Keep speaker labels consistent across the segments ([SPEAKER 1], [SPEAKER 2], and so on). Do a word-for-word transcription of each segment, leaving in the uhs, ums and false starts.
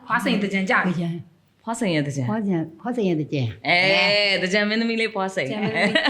[SPEAKER 1] ဖွားစိန်တကြံကြပြီ
[SPEAKER 2] ဖွားစိန်ရဲ့တကြံ
[SPEAKER 3] ဖွားကြံဖွားစိန်ရဲ့တကြံ
[SPEAKER 2] အဲတကြံမင်းသမီးလေးဖွားစိန်
[SPEAKER 1] ကျန်မင်းသမီး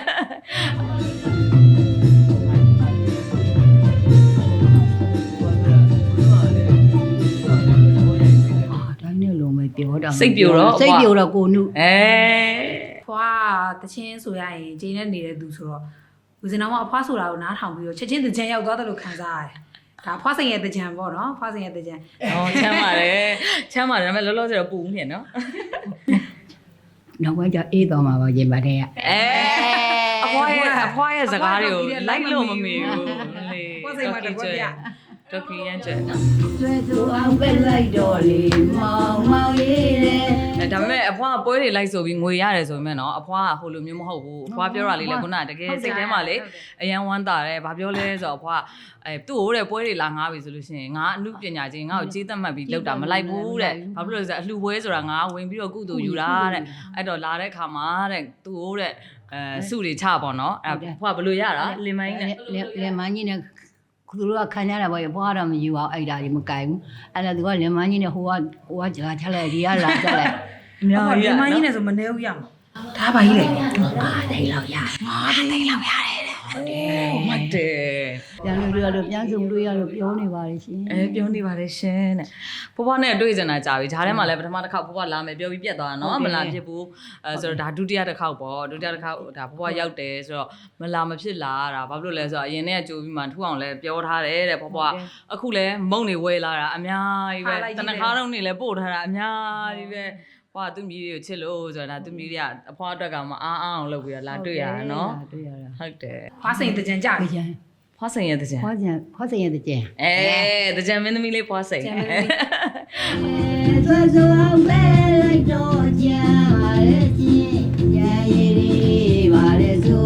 [SPEAKER 3] ဒါနဲ့လုံးမပြောတော့
[SPEAKER 2] စိတ်ပြိုတော့
[SPEAKER 3] စိတ်ပြိုတော့ကိုနု
[SPEAKER 2] အဲ
[SPEAKER 1] ဖွားတချင်းဆိုရရင်ဂျင်းနဲ့နေတဲ့သူဆိုတော့ဦးစင်တော်ကအဖွားဆိုတာကိုနားထောင်ပြီးတော့ချက်ချင်းတကြံရောက်သွားတယ်လို့ခံစားရတယ်ဒါဖွားစိန်ရဲ့တကြံပေါ့နော်ဖွားစိန်ရဲ့တကြံ
[SPEAKER 2] ဟောချမ်းပါတယ်ချမ်းပါတယ်ဒါပေမဲ့လောလောဆယ်တော့ပူနေနော်
[SPEAKER 3] နောက်ကကြအေးတော်မှာပါရင်ပါတဲ့က
[SPEAKER 2] အဲအဖွားရဲ့အဖွားရဲ့စကားတွေကိုလိုက်လို့မမီဘူးလေ
[SPEAKER 1] ဖွားစိန်မှာတကွက်ပြ
[SPEAKER 2] တော်ကီရန်ကျဲနော်
[SPEAKER 3] ဆွဲသူအောင်ပဲလိုက်တော့လေမောင်မောင်လေးတဲ့
[SPEAKER 2] အဲဒါပေမဲ့အဖွားကပွဲတွေလိုက်ဆိုပြီးငွေရတယ်ဆိုပေမဲ့နော်အဖွားကဟိုလိုမျိုးမဟုတ်ဘူးအဖွားပြောတာလေးလေခုနကတကယ်စိတ်ထဲမှာလေအရန်ဝမ်းတာတယ်ဘာပြောလဲဆိုတော့အဖွားအဲသူ့ဟိုတဲ့ပွဲတွေလာငားပြီဆိုလို့ရှိရင်ငါအမှုပညာချင်းငါ့ကိုကြေးသက်မှတ်ပြီးလောက်တာမလိုက်ဘူးတဲ့ဘာဖြစ်လို့လဲဆိုတော့အလှပွဲဆိုတာငါဝင်ပြီးတော့ကုသိုလ်ယူတာတဲ့အဲ့တော့လာတဲ့ခါမှာတဲ့သူ့ဟိုတဲ့အဲစုတွေချပေါ့နော်အဲ့အဖွားဘယ်လိုရတာလင်မိုင်းနဲ့
[SPEAKER 3] လင်မကြီးနဲ့သူတို့ကခံရတာပေါ့ဘွားတော့မယူအောင်အဲ့ဒါကြီးမကင်ဘူးအဲ့ဒါသူကလင်မကြီးနဲ့ဟိုကဟိုကကြာချလိုက်ဒီကလာချက်လိုက်
[SPEAKER 2] အများကြီး
[SPEAKER 1] ဒီ
[SPEAKER 2] ရ
[SPEAKER 1] မကြီးနဲ့ဆိုမနေဘူးရမှာဒါပါကြီးလေ
[SPEAKER 3] အားသိလောက်ရ
[SPEAKER 1] အားသိလောက်ရတယ်ဟုတ်တယ်
[SPEAKER 2] မတ်တယ်
[SPEAKER 3] ပြန်လို့ရလို့ပြန်စုံလို့ရလို့ပြောနေပါလေရှင်
[SPEAKER 2] အဲပြောနေပါတယ်ရှင်တဲ့ဘဘနဲ့တွေ့ကြတာကြာပြီဂျားထဲမှာလည်းပထမတစ်ခေါက်ဘဘလာမယ်ပြောပြီးပြတ်သွားတာနော်မလာဖြစ်ဘူးအဲဆိုတော့ဒါဒုတိယတစ်ခေါက်ပေါ့ဒုတိယတစ်ခေါက်ဒါဘဘရောက်တယ်ဆိုတော့မလာမဖြစ်လာတာဘာဖြစ်လို့လဲဆိုတော့အရင်ကကြိုပြီးမှထူအောင်လည်းပြောထားတယ်တဲ့ဘဘအခုလည်းမုံနေဝဲလာတာအများကြီးပဲတနခါတော့နေလည်းပို့ထားတာအများကြီးပဲဟွာသူ့မြည်တွေကိုချစ်လို့ဆိုတာဒါသူ့မြည်တွေကအဖွားအတွက်ကမအားအောင်လုပ်ပြီးတော့လာတွေ့ရတာနော်
[SPEAKER 3] တွေ့ရတာ
[SPEAKER 2] ဟုတ်တယ်
[SPEAKER 1] ဖွားစိန်တကြံကြပြီ
[SPEAKER 3] ကြံ
[SPEAKER 2] ဖွားစိန်ရဲ့တကြံ
[SPEAKER 3] ဖွားကြံဖွားစိန်ရဲ့တကြံ
[SPEAKER 2] အဲတကြံမင်းသမီးလေးဖွားစိန်
[SPEAKER 1] ကျန်မင်းသမီး
[SPEAKER 3] ဆွဲဆွဲအောင်ပဲလိုက်တော့ကြာပါလေရှင်ကြာရည်ပါလေဆို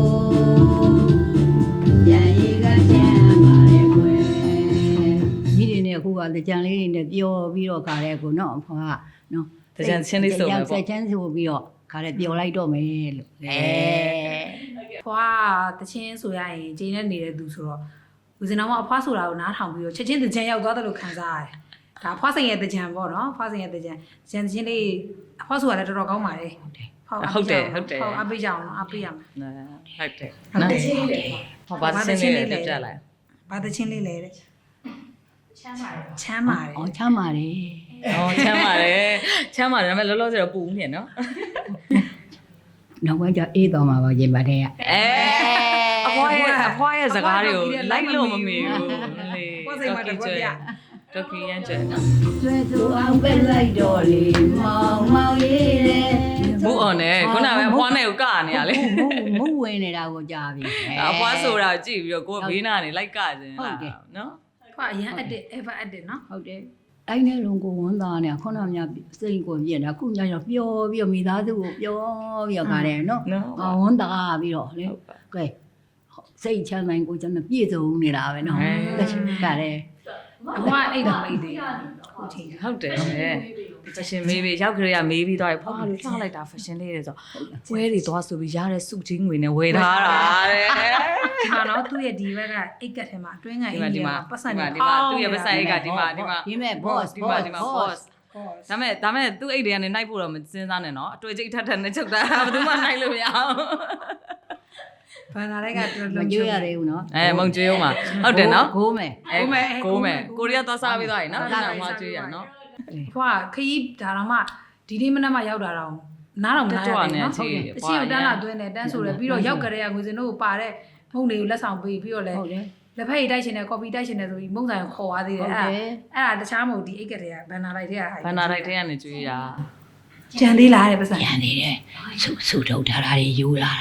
[SPEAKER 3] ကြာရည်ကချမ်းပါလေကွယ်ဒီဒီနဲ့အခုကတကြံလေးတွေနဲ့ပြောပြီးတော့ခါတဲ့ကိုနော်အဖွားကနော်
[SPEAKER 2] တကြံချင်းလေးဆိုမယ်
[SPEAKER 3] စ
[SPEAKER 2] ပေါ့
[SPEAKER 3] က်ချမ်းဆိုပြီးတော့ခါတဲ့ပျော်လိုက်တော့မယ်လို့အဲ
[SPEAKER 1] ဖွားတချင်းဆိုရရင်ဂျင်းနဲ့နေတဲ့သူဆိုတော့ဦးစင်တော်ကအဖွားဆိုတာကိုနားထောင်ပြီးတော့ချက်ချင်းတကြံရောက်သွားတယ်လို့ခံစားရတယ်ဒါဖွားစိန်ရဲ့တကြံပေါ့နော်ဖွားစိန်ရဲ့တကြံဂျန်ချင်းလေးအဖွားဆိုတာလည်းတော်တော်ကောင်းပါတယ်ဟုတ်အပေးကြအောင်အပေးရမယ်
[SPEAKER 2] ဟုတ်တယ်
[SPEAKER 1] ဟုတ်တယ်
[SPEAKER 2] ဟောပါစင်းလေးတက်ပြလိုက်
[SPEAKER 1] ဘာတချင်းလေးလဲတဲ့ချမ်းပါတယ်ချမ်းပါတယ်
[SPEAKER 3] အော်ချမ်းပါတယ်
[SPEAKER 2] ဟောချမ်းပါတယ်ချမ်းပါတယ်ဒါပေမဲ့လောလောဆယ်တော့ပူနေနော်
[SPEAKER 3] နောက်ကကြအေးတော်မှာပါရင်ပါတဲ့က
[SPEAKER 2] အဲအဖွားရဲ့အဖွားရဲ့စကားတွေကိုလိုက်လို့မမီဘူးလေ
[SPEAKER 1] ဖွားစိန်မှာတကွက်ပြ
[SPEAKER 2] တော်ကီရန်ကျဲနော်
[SPEAKER 3] ဆွဲသူအောင်ပဲလိုက်တော့လေမောင်မောင်လေးတဲ့
[SPEAKER 2] ဘူးအောင်နဲ့ခုနကပဲအဖွားနဲ့ကိုကနေရလေ
[SPEAKER 3] မုံဝင်နေတာကိုကြားပြီ
[SPEAKER 2] အဖွားဆိုတာကြည့်ပြီးတော့ကိုကဘေးနာနေလိုက်ကစင်းလားနော်
[SPEAKER 1] ဖွားအရင်အတစ် ever အတစ်နော်
[SPEAKER 3] ဟုတ်တယ်အဲ့နဲ့လုံးကိုဝန်သားနေခုနကများစိတ်ကိုပြည့်နေတာခုညရောပျော်ပြီးတော့မိသားစုကိုပျော်ပြီးတော့ခါတယ်နော်
[SPEAKER 2] နော်
[SPEAKER 3] အော်ဝန်သားပြီးတော့လေကဲစိတ်ချမ်းနိုင်ကိုကျွန်တော်ပြည့်စုံနေတာပဲနော်ခါတယ်
[SPEAKER 1] အဖွားအိတ်တော်အိတ်သေးဟုတ်တယ်
[SPEAKER 2] ဟုတ်တယ်ဖက်ရှင်မေးပြီးရောက်ခရရမေးပြီးသွားပြီဖွာလို့လှလိုက်တာဖက်ရှင်လေးတွေဆိုပွဲတွေသွားဆိုပြီးရတဲ့စုချင်းငွေနဲ့ဝယ်ထားတာတဲ့
[SPEAKER 1] ဒီမှာတော့သူ့ရဲ့ဒီဘက်ကအိတ်ကက်ထဲမှာအတွင်းကအိတ်ထဲမှာပတ်စံ
[SPEAKER 2] ဒီ
[SPEAKER 1] နေ
[SPEAKER 2] မှာဒီမှာသူ့ရဲ့ပတ်စံအိတ်ကဒီမှာဒီမှာ
[SPEAKER 3] ဒီမဲ့ boss
[SPEAKER 2] ဒီမှာ
[SPEAKER 3] boss
[SPEAKER 2] ဒီမှာ
[SPEAKER 3] boss
[SPEAKER 2] boss ဒါမဲ့ဒါမဲ့သူ့အိတ်တွေကနေနှိုက်ဖို့တော့မစဉ်းစားနဲ့နော်အတွေ့အကြိမ်ထက်ထက်နဲ့ချုပ်တာဘယ်သူမှနှိုက်လို့မရအောင်
[SPEAKER 1] ဘာသာလိုက်ကတော်
[SPEAKER 3] မ
[SPEAKER 1] တော်
[SPEAKER 3] ကြွရသေးဘူးနော်
[SPEAKER 2] အဲမုံကျွေးဦးမှာဟုတ်တယ်နော်
[SPEAKER 3] ကိုမယ်
[SPEAKER 2] အဲကိုမယ်ကိုရီးယားသွားစားပြီးသွားပြီနော်အဲ့ဒါမှကျွေးရနော်
[SPEAKER 1] ဖွားခရီးဒါတော့မှဒီနေ့မနက်မှရောက်တာတော့နားတော့မနားရတယ်နော်ဟုတ်တယ်အချင်းကိုတန်းလာသွင်းတယ်တန်းဆိုတယ်ပြီးတော့ရောက်ကြတဲ့ကငွေစင်တို့ကိုပါတဲ့မုံတွေကိုလက်ဆောင်ပေးပြီးတော့လဲ
[SPEAKER 3] ဟုတ်တယ်
[SPEAKER 1] လက်ဖက်ရည်တိုက်ရှင်တယ်ကော်ဖီတိုက်ရှင်တယ်ဆိုပြီးမုံဆိုင်ကိုခေါ်သွားသေးတယ်အဲ့ဒါအဲ့ဒါတခြားမဟုတ်ဒီအိတ်ကတွေကဘန်နာလိုက်တဲ့ဟာ
[SPEAKER 2] ဘန်နာလိုက်တဲ့ကနေကျွေးတာ
[SPEAKER 1] ကြံသေးလားတဲ့ပတ်စံ
[SPEAKER 3] ရန်နေတယ်ဆူဆူထုတ်ထားတာတွေယူလာတာ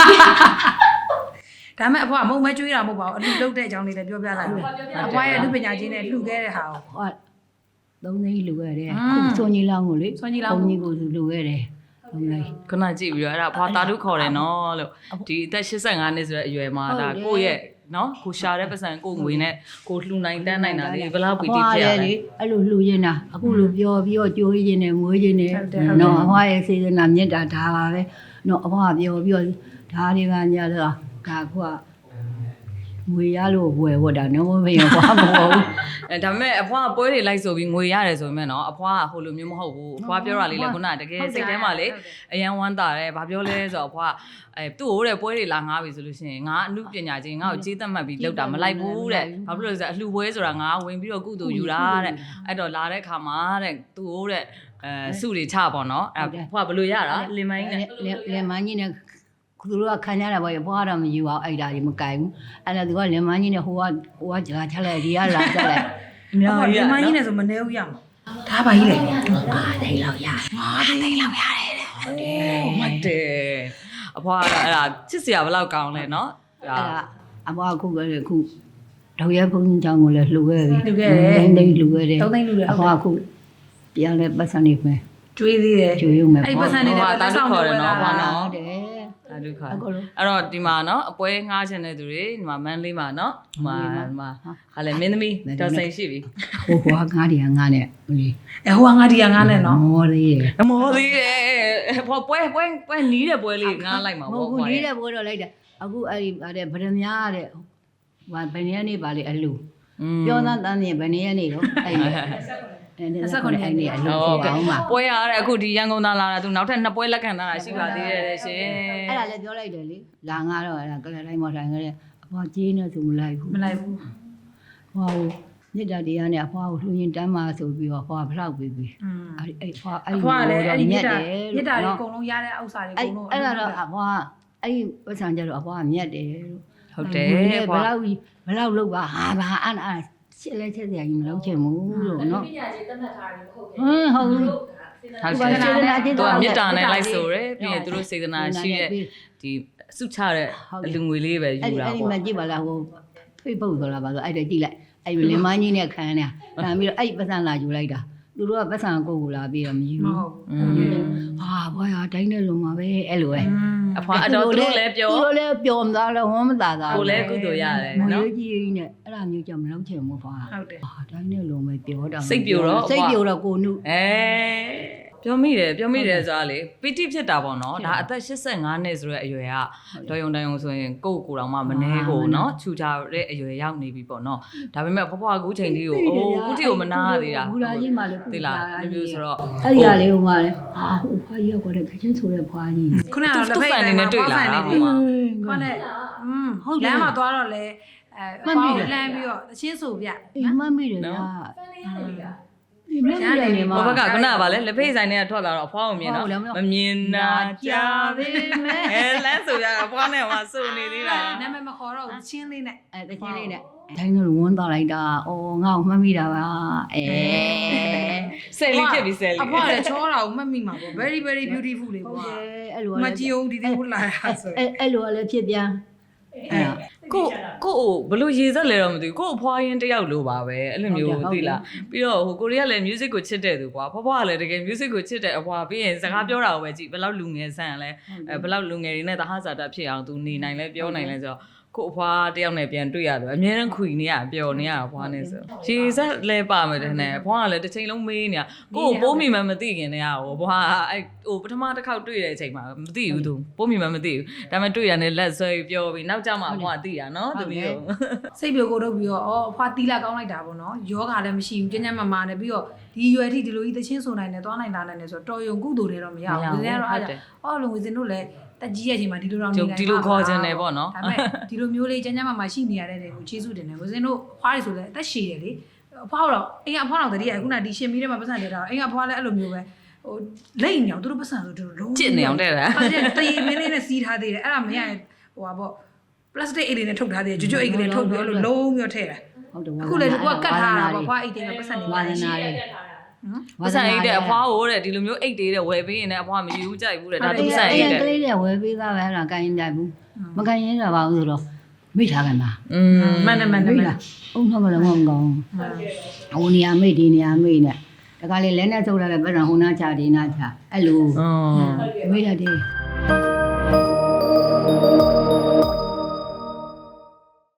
[SPEAKER 1] ဒါမဲ့အဖွားမုံမဲကျွေးတာမဟုတ်ပါဘူးအလူလုတ်တဲ့အကြောင်းလေးလည်းပြောပြလိုက်မယ်အဖွားရဲ့လူပညာချင်းနဲ့လှူခဲ့တဲ့ဟာကို
[SPEAKER 3] ဟောသုံးသိန်းလူခဲ့တယ်ခုစွန်ကြီးလောင်းကိုလေဘုန်းကြီးကိုလူခဲ့တယ်ဟုတ်လား
[SPEAKER 2] ခုနကြည့်ပြီးတော့အဲ့ဒါဖွာတာတုခေါ်တယ်နော်လို့ဒီအသက်eighty-fiveနှစ်ဆိုတဲ့အရွယ်မှာဒါကိုယ့်ရဲ့နော်ကိုရှာတဲ့ပတ်စံကိုငွေနဲ့ကိုလှူနိုင်တန်းနိုင်တာလေဘလောက်ပီတိဖြစ်ရလဲ
[SPEAKER 3] အဲ့လိုလှူရင်တာအခုလိုပြောပြီးတော့ကြိုးရင်းနဲ့မွေးရင်းနဲ့နော်အဖွားရဲ့စေတနာမြတ်တာဒါပါပဲနော်အဖွားပြောပြီးတော့ဒါတွေကညတော့ဒါခုကငွေရလို့ဝယ်ဝတ်တာနော်မင်းဘွားမဟုတ်ဘူး
[SPEAKER 2] အဲဒါပေမဲ့အဖွားကပွဲတွေလိုက်ဆိုပြီးငွေရတယ်ဆိုပေမဲ့နော်အဖွားကဟိုလိုမျိုးမဟုတ်ဘူးအဖွားပြောတာလေးလေခုနကတကယ်စိတ်ထဲမှာလေအရန်ဝမ်းသာတယ်ဘာပြောလဲဆိုတော့အဖွားအဲသူ့ဟိုတဲ့ပွဲတွေလာငားပြီဆိုလို့ရှိရင်ငါအမှုပညာချင်းငါ့ကိုကြေးသက်မှတ်ပြီးလောက်တာမလိုက်ဘူးတဲ့ဘာဖြစ်လို့လဲဆိုတော့အလှပွဲဆိုတာငါဝင်ပြီးတော့ကုသိုလ်ယူတာတဲ့အဲ့တော့လာတဲ့ခါမှာတဲ့သူ့ဟိုတဲ့အဲစုတွေချပေါ့နော်အဲ့ဖွားဘယ်လိုရတာလင်မိုင်းနဲ့
[SPEAKER 3] လင်မန်းကြီးနဲ့သူတို့ကခံရတာပေါ့ဘွားတော့မယူအောင်အဲ့ဒါကြီးမကင်ဘူးအဲ့ဒါသူကလင်မန်းကြီးနဲ့ဟိုကဟိုကကြာချလိုက်ဒီကလာချက်လိုက်
[SPEAKER 1] အများကြီးလင်မကြီးနဲ့ဆိုမနေဘူးရမှာဒါပါကြီးလေ
[SPEAKER 3] အာတိတ်လောက်ရ
[SPEAKER 1] ငါတိတ်လောက်ရတယ်တဲ့
[SPEAKER 2] ဟုတ်တယ်မှတ်တယ်အဖွားကအဲ့ဒါချစ်စရာဘယ်လောက်ကောင်းလဲနော်
[SPEAKER 3] အဲ့ဒါအဘွားခုကလည်းခုတော့ရဲဘုန်းကြီးကျောင်းကိုလည်းလှူခဲ့ပြီ
[SPEAKER 1] လူခဲ့တယ်
[SPEAKER 3] တိတ်တိတ်လှူခဲ့တယ်
[SPEAKER 1] သုံးသိန်းလူတယ်
[SPEAKER 3] အဘွားခုပြန်လဲပတ်စံနေမယ်
[SPEAKER 1] ကျွေးသေးတယ်
[SPEAKER 3] ကျွေးရုံမယ်
[SPEAKER 1] အဲ့ပတ်စံနေတဲ့လက်ဆောင်တွေ
[SPEAKER 3] ဟုတ်တယ်
[SPEAKER 2] ဒါဒုက္ခအဲ့တော့ဒီမှာနော်အပွဲငှားချင်တဲ့သူတွေဒီမှာမန်းလေးမှာနော်ဒီမှာဒီမှာဟာလေမင်းသမီးတော်စိန်ရှိပြီ
[SPEAKER 3] ဟိုဘွားငါးတည်းငါးနဲ့ဟိုလေ
[SPEAKER 1] အဲဟိုကငါဒီကငါနဲ့နော်
[SPEAKER 3] မော်သေးတယ်
[SPEAKER 2] အမော်သေးတယ်ပွဲပွဲပွဲပွဲနီးတဲ့ပွဲလေးငှားလိုက်မှာ
[SPEAKER 3] မ
[SPEAKER 2] ပေါ့
[SPEAKER 3] ဟုတ်ဘူး
[SPEAKER 2] ကွာ
[SPEAKER 3] လေးတဲ့ဘိုးတော့လိုက်တယ်အခုအဲ့ဒီဗါတဲ့ဗရမများတဲ့ဟိုဘယ်နည်းနေပါလေအလူပြောသားတန်းနေဘယ်နည်းနေတော့အဲ့ဒီအဲ့ဒါကအဲ့ဒီအလူကိုအောင်ပါ
[SPEAKER 2] ပွဲရတဲ့အခုဒီရန်ကုန်သားလာတာသူနောက်ထပ်နှစ်ပွဲလက်ခံထားတာရှိပါသေးတယ်ရှင်
[SPEAKER 3] အဲ့ဒါလည်းပြောလိုက်တယ်လေလာငါတော့အဲ့ဒါကလည်းတိုင်းမထိုင်ခဲ့တယ်အဖွားကြီးနေသူမလိုက်ဘူး
[SPEAKER 1] မလိုက်ဘူး
[SPEAKER 3] ဟောမြစ်တာတရားနဲ့အဖွားကိုလှူရင်တမ်းပါဆိုပြီးတော့အဖွားဖလောက်ပြီးပြီ
[SPEAKER 1] อืม
[SPEAKER 3] အဲ့အဲ့ဖွားအဲ့
[SPEAKER 1] အ
[SPEAKER 3] ဒီ
[SPEAKER 1] ဖွားလည်းအဲ့ဒီမြစ်တာ
[SPEAKER 3] တယ်
[SPEAKER 1] မြစ်တာတွေအကုန်လုံးရတဲ့ဥစ္စာတွေအ
[SPEAKER 3] အဲ့
[SPEAKER 1] ကုန်လုံး
[SPEAKER 3] အဲ့ဒါတော့အဖွားအဲ့ဒီပတ်စံကြတော့အဖွားမြတ်တယ်လို့
[SPEAKER 2] ဟုတ်တယ်
[SPEAKER 3] ဘ
[SPEAKER 2] ကွာ
[SPEAKER 3] ယ်လောက်ဘယ်လောက်လောက်ပါဟာဘာအဲ့အဲ့ချစ်လဲချစ်စရာကြီးမလုပ်ချင်ဘူးလို့နော်
[SPEAKER 4] ပညာရှင်တတ်မှတ်ထားတယ်မဟုတ်ဘူး
[SPEAKER 3] ဟင်းဟုတ်ဘူး
[SPEAKER 2] ဟုတ်တယ်သူကမေတ္တာနဲ့လိုက်ဆိုရယ်ပြီးရင်သူတို့စေတနာရှိတဲ့ဒီစုချတဲ့အလူငွေလေးပဲယူ
[SPEAKER 3] အဲ့ဒီ
[SPEAKER 2] တာ
[SPEAKER 3] အဲ့ဒီ
[SPEAKER 2] ပေါ့
[SPEAKER 3] မှကြည့်ပါလားဟို Facebook ဆိုတာပါဆိုအဲ့ဒါကြည့်လိုက်အဲ့ဒီလင်မကြီးနဲ့ခံနေတာခံပြီးတော့အဲ့ဒီပတ်စံလာယူလိုက်တာသူတို့ကပတ်စံကိုကိုလာပြီးတော့မယူ
[SPEAKER 1] မ
[SPEAKER 3] ဘူး
[SPEAKER 1] ဟုတ်
[SPEAKER 2] อื
[SPEAKER 1] ဘူး
[SPEAKER 2] ม
[SPEAKER 3] ဟာဘာရတိုင်းနဲ့လုံးမှာပဲအဲ့လိုပဲ
[SPEAKER 2] အဖွားအတော်သူတို့လည်းပြော
[SPEAKER 3] သူတို့လည်းပျော်မသားလဲဝမ်းမသာသား
[SPEAKER 2] ကိုလည်းကုသိုလ်ရတယ်
[SPEAKER 3] မွေ
[SPEAKER 2] နော်
[SPEAKER 3] းကြီးနဲ့အဲ့ဒါမျိုးကြောင့်မလုပ်ချင်ဘူးဖွာ
[SPEAKER 1] ဟုတ်တယ်
[SPEAKER 3] ဟာတိုင်းနဲ့လုံးပဲပြောတာ
[SPEAKER 2] စိတ်ပြိုတော့
[SPEAKER 3] စိတ်ပြိုတော့ကိုနု
[SPEAKER 2] အဲပြောမိတယ်ပြောမိတယ်ဆိုတာလေပီတိဖြစ်တာပေါ့နော်ဒါအသက်၈၅နှစ်ဆိုတဲ့အရွယ်ကတော်ယုံတန်ယုံဆိုရင်ကိုယ့်ကိုယ်တော်မှမနှဲကိုနော်ခြူချတဲ့အရွယ်ရောက်နေပြီပေါ့နော်ဒါပေမဲ့ဖွားဖွားကူးချိန်လေးကိုအိုးကူးတီကိုမနာရသေးတာ
[SPEAKER 3] ဘူလာကြီးမှလည်း
[SPEAKER 2] သိလားဒီမျိုးဆိုတော့
[SPEAKER 3] အဲ့ဒီကလေးဟိုမှလည်းဟာဟိုဖွာကြီးရောက်တဲ့ခချင်းဆိုတဲ့ဖွာကြီး
[SPEAKER 1] ခုနကတော့လက်ဖက်ဆိုင်နေတွေ့လာတာဟိုမှာခေါနဲ့อืมလမ်းမှာသွားတော့လေအဲပေါင်းလမ်းပြီးတော့တချင်းဆိုပြ
[SPEAKER 3] အိမ်မမိတယ်ဗျာ
[SPEAKER 4] ဖန်လေးရတယ်က
[SPEAKER 3] ဒီမမိတယ်နေမှာ
[SPEAKER 2] ဘဘကခုနကဗာလဲလက်ဖေးဆိုင်တွေကထွက်လာတော့အဖွားကိုမြင်တော့မမြင်နာကြပေမဲ့အဲလမ်းဆိုရအဖွားနဲ့ဟိုဆိုနေသေးတာ
[SPEAKER 1] နာမည်မခေါ်တော့ဘူးချင်းလေးနဲ့
[SPEAKER 3] အဲတချင်းလေးနဲ့တိုင်းကဝန်းသွားလိုက်တာအော်ငါ့ကိုမှတ်မိတာပါအဲ
[SPEAKER 2] ဆယ်လီဖြစ်ပြီဆယ်လီ
[SPEAKER 1] အဖွားလည်းချောတာကိုမှတ်မိမှာပေါ့ very very beautiful လေး
[SPEAKER 3] ဟုတ်
[SPEAKER 1] ပေါ့
[SPEAKER 3] တယ်အဲ့လို
[SPEAKER 1] မကြည့်အောင်ဒီဒီဟိုလာတာဆို
[SPEAKER 3] အဲ့အဲ့လိုလည်းဖြစ်ပြန်အဲ့
[SPEAKER 2] ကိုကိုဘလို့ရေစက်လဲတော့မသိဘူးကိုအဖွားရင်တယောက်လိုပါပဲအဲ့လိုမျိုးသိလားပြီးတော့ဟိုကိုရီးယားလည်း music ကိုချစ်တဲ့သူကွာဖွားဖွားကလည်းတကယ် music ကိုချစ်တဲ့အဖွားပြီးရင်စကားပြောတာကိုပဲကြည့်ဘယ်လောက်လူငယ်ဆန်လဲအဲဘယ်လောက်လူငယ်တွေနဲ့တဟဇာတာဖြစ်အောင်သူနေနိုင်လဲပြောနိုင်လဲဆိုတော့ကိုအဖွားတယောက်နဲ့ပြန်တွေ့ရတယ်အများနဲ့ခွေနေရပျော်နေရအဖွားနဲ့ဆိုရေစက်လဲပါမယ်တဲ့နဲ့အဖွားကလည်းတစ်ချိန်လုံးမေးနေတာကိုကိုပိုးမိမှမသိခင်တည်းကဟိုအဖွားအဲ့ဟိုပထမတစ်ခေါက်တွေ့တဲ့အချိန်မှာမသိဘူးသူပိုးမိမှမသိဘူးဒါပေမဲ့တွေ့ရတယ်လက်ဆွဲပြောပြီးနောက်ကျမှအဖွားသိတာနော်တမီးတို့
[SPEAKER 1] စိတ်ပြိုကိုတော့ပြီးတော့အော်အဖွားတီးလာကောင်းလိုက်တာပေါ့နော်ယောဂလည်းမရှိဘူးကျဉ်းကျဉ်းမာမာနဲ့ပြီးတော့ဒီရွယ်ထိဒီလိုကြီးသချင်းဆိုနိုင်တယ်သွားနိုင်တာနိုင်တယ်ဆိုတော့တော်ယုံကုသိုလ်တွေတော့မရဘူးဒီနေ့တော့အားအော်လုံဝင်စင်တို့လည်းတက်ကြီးရဲ့အချိန်မှာဒီလိုတော့နေနိုင်ဒီလိုမျိုးလေးကျဉ်းကျဉ်းမာမာရှိနေရတဲ့တွေကိုကျေးဇူးတင်တယ်ဝင်စင်တို့အဖွားတွေဆိုလည်းအသက်ရှည်တယ်လေအဖွားတော့အိမ်ကအဖွားတော်တည်းကခုနဒီရှင်မီးထဲမှာပတ်စံနေတာအိမ်ကအဖွားလည်းအဲ့လိုမျိုးပဲဟိုလိမ့်နေအောင်သူတို့ပတ်စံဆိုသူတို့လုံး
[SPEAKER 2] ကျစ်နေအောင်တဲ့လား
[SPEAKER 1] အဲ့ဒါတရေမင်းလေးနဲ့စီးထားသေးတယ်အဲ့ဒါမရရင်ဟိုပါပေါ့ plastic အိတ်လေးနဲ့ထုတ်ထားသေးတယ်ကျွတ်ကျွတ်အိတ်ကလေးထုတ်ပြီးလို့လုံးပြီးတော့ထည့်တာ
[SPEAKER 3] ဟုတ်တယ်
[SPEAKER 1] အခုလေဒီကကတ်ထားတာပေါ့ဖွားအိတ်တွေကပတ်စံနေ
[SPEAKER 3] ဝါ
[SPEAKER 1] ပါ
[SPEAKER 3] သ
[SPEAKER 1] လေ
[SPEAKER 3] နာလေး
[SPEAKER 2] ပတ်စံအိတ်တဲ့အဖွားဟိုတဲ့ဒီလိုမျိုးအိတ်တွေတဲ့ဝယ်ပေးရင်လည်းအဖွားမယူကြိုက်ဘူးတဲ့ဒါသူဆိုင်အိတ်တဲ့
[SPEAKER 3] ကလေးတွေဝယ်ပေးသားပဲအဲ့ဒါကိုင်းတယ်ဘူးမကိုင်းရင်တော့ပါဘူးဆိုတော့မိထားกันပါ
[SPEAKER 2] อืม
[SPEAKER 1] မှန်တယ်မှန်တယ်မှန်တယ်
[SPEAKER 3] အုံတော့မလည်းမကောင်းဟိုနေရာမိဒီနေရာမိနဲ့တခါလေလဲနဲ့ထုတ်လာတဲ့ပတ်စံဟိုနာချဒီနာချအဲ့လို
[SPEAKER 2] อ๋อ
[SPEAKER 3] မိရတယ်